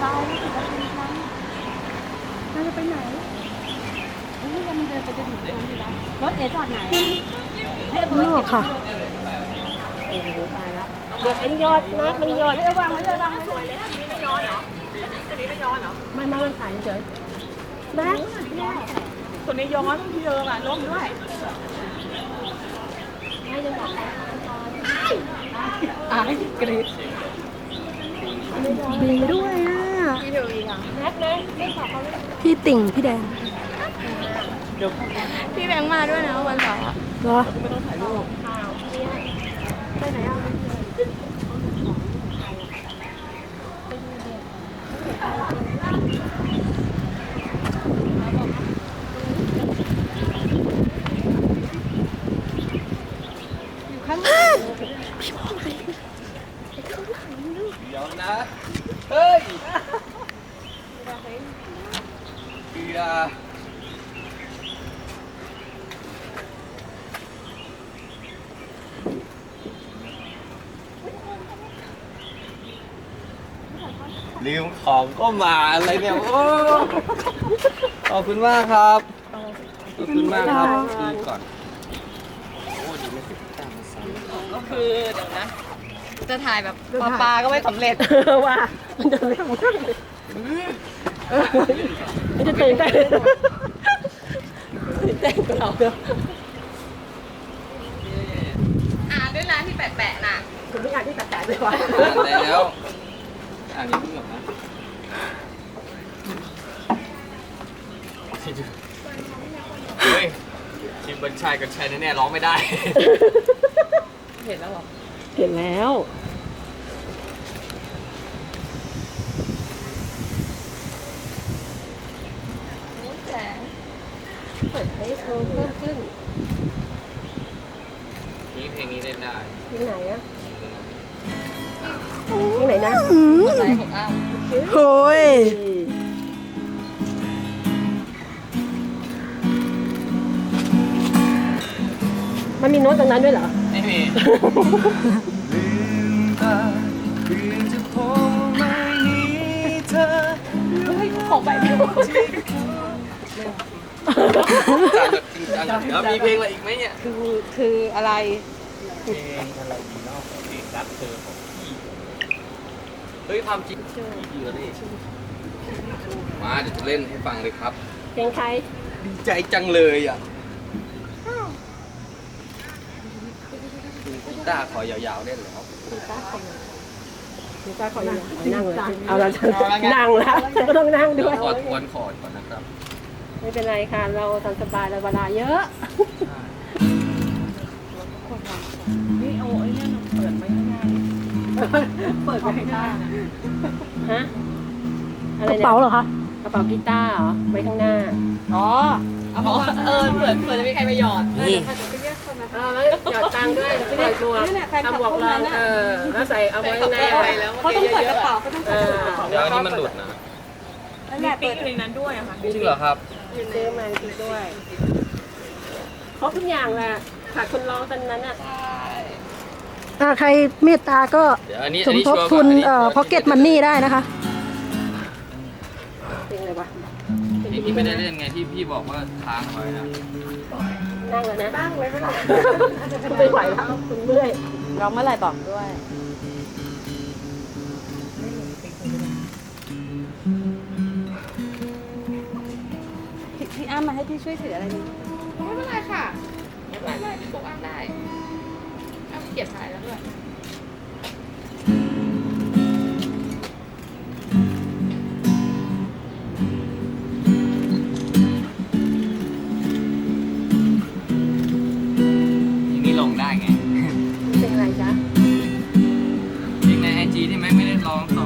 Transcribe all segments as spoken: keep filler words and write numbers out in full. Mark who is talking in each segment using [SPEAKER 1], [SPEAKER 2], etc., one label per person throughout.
[SPEAKER 1] ตายไม่ถึงจะเป็นครั้งเราจะไปไหนนี่ยังมันเดินไปจะถึงตรงนี้แล้วรถเอ๋จอดไหนให้เบิร์ดค่ะโอ้โหตายแล้วเดี๋ยวเป็นยอดนะมันยอดระวังไว้ระวังไว้ด้วยเลยนี่ไม่ย้อนเหรอตัวนี้ไม่ย้อนเหรอไม่ไม่มันถ่ายเฉยนะตัวนี้ย้อนที่เดิมอ่ะล้มด้วยไม่ยังบอกอ่ะให้กรีดดีด้วยอ่ะพี่เดียวอีกอ่ะแม็กเลยไม่ขอเขาพี่ติ่งพี่แดงพี่แบงค์มาด้วยนะวันเสาร์เหรอไม่ต้องถ่ายรูปไปไหนอ่ะ
[SPEAKER 2] เดี๋ยวนะเฮ้ยเกียร์ลืมของก็มาอะไรเนี่ยโอ้ขอบคุณมากครับขอบคุณมากครับดีก่อนโอ้ดีไม่ติดตามมาซ้ำ
[SPEAKER 1] ก็คือเดี๋ยวนะจะถ่ายแบบปลาปลาก็ไม่สำเร็จว่ามันจะเร็วมากมันจะตื่นเต้นตื่นเต้นกับเราเนอะอ่านด้วยนะที่แปะๆน่ะคุณไม่อ่านที่แปะๆด้วยวะ
[SPEAKER 2] อ่านแล้วอ่านนี้เพิ่งหรอกนะเฮ้ยทีมบรรชัยกับชัยแน่ๆร้องไม่ได้
[SPEAKER 1] เห็นแล้วหรอเห็นแล้วแต่เปิดให้เพิ่มขึ้น
[SPEAKER 2] นี่เพลงนี้เล่นได้
[SPEAKER 1] ที่ไหนอะที่ไหนนะไหนของอ้าวโอ้ยมันมีโน้ตตรงนั้นด้วยเหรอ
[SPEAKER 2] ไม่มี
[SPEAKER 1] ของไปไม่รู้
[SPEAKER 2] แล้วมีเพลงอะไรอีกไหมเนี่ย
[SPEAKER 1] คือคืออะไร
[SPEAKER 2] เพลงอะไรดีนอกเพลงรักเธอของพี่เฮ้ยความจริงพี่เยอะเลยมาเดี๋ยวจะเล่นให้ฟังเลยครับ
[SPEAKER 1] เพลงใคร
[SPEAKER 2] ดีใจจังเลยอ่ะกีตาร์ขอยาวๆเล่นแล้ว
[SPEAKER 1] กีตาร์ขอยาวกีตาร์ขอยาวนั่งเลยเอาเรานั่งแล้วฉันก็ต้องนั่งด้วย
[SPEAKER 2] ขอทวนคอร์ดก่อนนะครับ
[SPEAKER 1] ไม่เป็นไรค่ะเราทำสบายเราเวลาเยอะนี่เอาไอ้เนี่ยเปิดไว้ข้างหน้าเปิดไว้ข้างหน้าฮะอะไรเนี่ยกระเป๋าเหรอคะกระเป๋ากีตาร์เหรอไว้ข้างหน้าอ๋อเอาเออเปิดเปิดจะมีใครมาหยอดนี่เออแล้วหยอดตังค์ด้วยเปิดหมวกทำหมวกรองเออแล้วใส่เอาไว้ข้างหน้าเขาต้องเปิดกระเป๋าเขาต้องเปิดกระเป๋า
[SPEAKER 2] แล้วนี่มันหลุดนะ
[SPEAKER 1] มีปิ๊กอยู่ในนั้นด้วยอะค่ะ
[SPEAKER 2] จริงเหรอครับ
[SPEAKER 1] ซื้อมาจริงด้วยครบทุกอย่างแหละขาดคนร้องตอนนั้นอ่ะ
[SPEAKER 3] ถ้าใครเมตตาก็สมทบทุนเอ่อพ็อกเก็ตมันนี่ได้นะคะ
[SPEAKER 1] เป็นไงวะ
[SPEAKER 2] ที่ไม่ได้เล่นไงที่พี่บอกว่าค้างไว้นะ
[SPEAKER 1] นั่งเลยนะนั่งเลยไม่ไหวไม่ไหวแล้วคุณเมื่อยร้องเมื่อไหร่บอกด้วยพี่อ้ำมาให้พี่ช่วยถืออะไรดี
[SPEAKER 4] ไม่เป็นไรค่ะไม่เป็นไรพี่ปุ๊กอ้ำได้อ้ำเกียรติถ่ายแล้วด้วย
[SPEAKER 2] อย่างนี้ลงได้ไง
[SPEAKER 1] เป็นอะไรจ๊ะ
[SPEAKER 2] เพลงในไอจีที่แม่ไม่ได้ร้องต่อ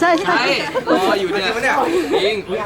[SPEAKER 3] ใช่
[SPEAKER 2] รออยู่เนี่ยจริง